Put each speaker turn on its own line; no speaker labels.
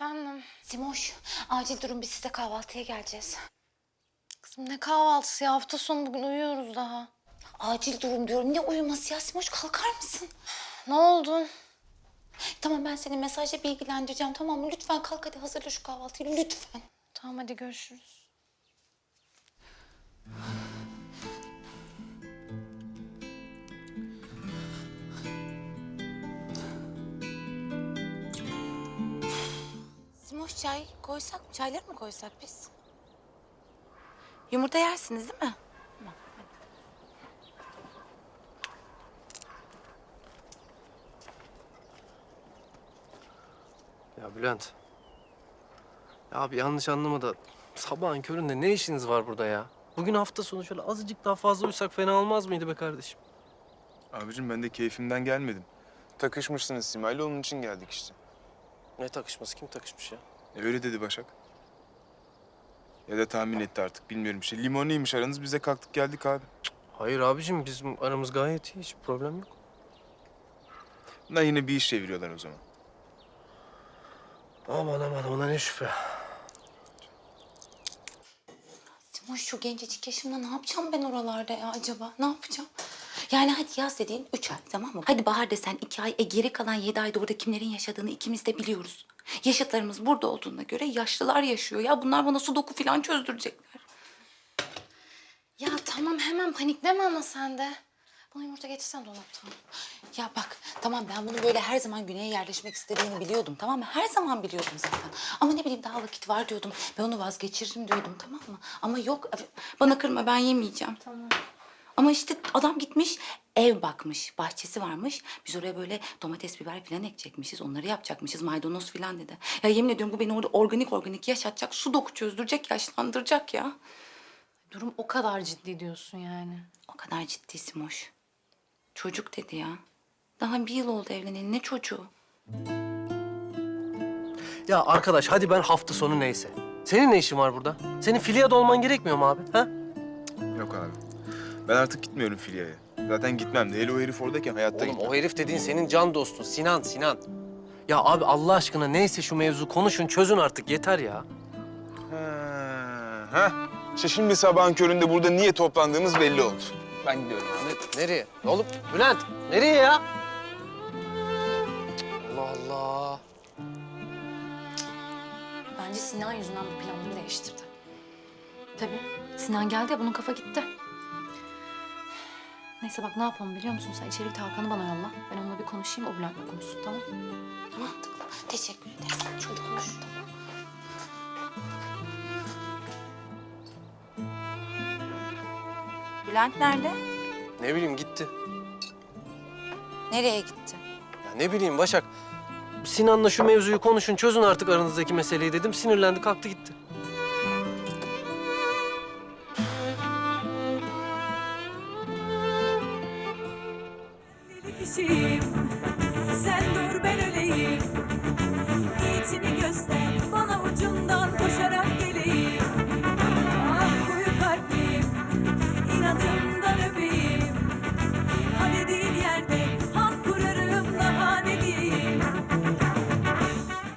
Efendim?
Simoş, acil durum, biz size kahvaltıya geleceğiz.
Kızım ne kahvaltısı ya? Hafta sonu bugün uyuyoruz daha.
Acil durum diyorum. Ne uyuması ya Simoş, kalkar mısın?
Ne oldu?
Tamam, ben seni mesajla bilgilendireceğim, tamam mı? Lütfen kalk, hadi hazırla şu kahvaltıyı lütfen.
Tamam hadi görüşürüz.
Simoş, çay koysak mı? Çayları mı koysak biz? Yumurta yersiniz değil mi? Tamam, hadi.
Ya Bülent. Ya abi yanlış anlama da sabahın köründe ne işiniz var burada ya? Bugün hafta sonu şöyle azıcık daha fazla uyusak fena olmaz mıydı be kardeşim?
Abicim ben de keyfimden gelmedim. Takışmışsınız Simay'la, onun için geldik işte.
Ne takışması? Kim takışmış ya?
Öyle dedi Başak. Ya da tahmin etti artık, bilmiyorum bir şey. Limonluymuş aranız, biz de kalktık geldik abi.
Hayır abicim bizim aramız gayet iyi. Hiç problem yok.
Bunlar yine bir iş çeviriyorlar o zaman.
Aman aman ona ne şüphe.
Simoş, şu gencecik yaşımda ne yapacağım ben oralarda ya acaba? Ne yapacağım? Yani hadi yaz dediğin 3 ay, tamam mı? Hadi bahar desen 2 ay. Geri kalan 7 ayda orada kimlerin yaşadığını ikimiz de biliyoruz. Yaşıtlarımız burada olduğuna göre yaşlılar yaşıyor. Ya bunlar bana sudoku falan çözdürecekler.
Ya tamam hemen panikleme ama sen de. Bana yumurta getirsen dolaptan.
Ya bak, tamam, ben bunu böyle her zaman güneye yerleşmek istediğini biliyordum, tamam mı? Her zaman biliyordum zaten. Ama ne bileyim, daha vakit var diyordum. Ben onu vazgeçiririm diyordum, tamam mı? Ama yok, bana kırma, ben yemeyeceğim.
Tamam.
Ama işte adam gitmiş, ev bakmış, bahçesi varmış. Biz oraya böyle domates, biber falan ekecekmişiz, onları yapacakmışız, maydanoz falan dedi. Ya yemin ediyorum, bu beni orada organik yaşatacak, sudoku çözdürecek, yaşlandıracak ya.
Durum o kadar ciddi diyorsun yani.
O kadar ciddi Simoş. Çocuk dedi ya. Daha 1 yıl oldu evleneli, ne çocuğu?
Ya arkadaş hadi ben hafta sonu neyse. Senin ne işin var burada? Senin Filya'da olman gerekmiyor mu abi? Ha?
Yok abi. Ben artık gitmiyorum Filya'ya. Zaten gitmem de. Hele o herif oradayken hayatta
Oğlum
gitmem.
o herif dediğin senin can dostun Sinan. Ya abi Allah aşkına neyse şu mevzu konuşun çözün artık yeter ya.
Ha. İşte şimdi sabahın köründe burada niye toplandığımız belli oldu. Ben gidiyorum abi.
Nereye? Oğlum Bülent nereye ya? Allah Allah.
Bence Sinan yüzünden bu planını değiştirdi. Tabii. Sinan geldi ya, bunun kafa gitti. Neyse bak, ne yapalım biliyor musun? Sen içeri Hakan'ı bana yolla. Ben onunla bir konuşayım, o Bülent'le konuşsun, tamam mı?
Mantıklı. Teşekkür ederim. Çok konuş. Bülent nerede?
Ne bileyim gitti.
Nereye gitti?
Ya ne bileyim Başak. Sinan'la şu mevzuyu konuşun çözün artık aranızdaki meseleyi dedim. Sinirlendi kalktı gitti.
Deli kişiyim, sen dur ben öleyim. Niyetini göster.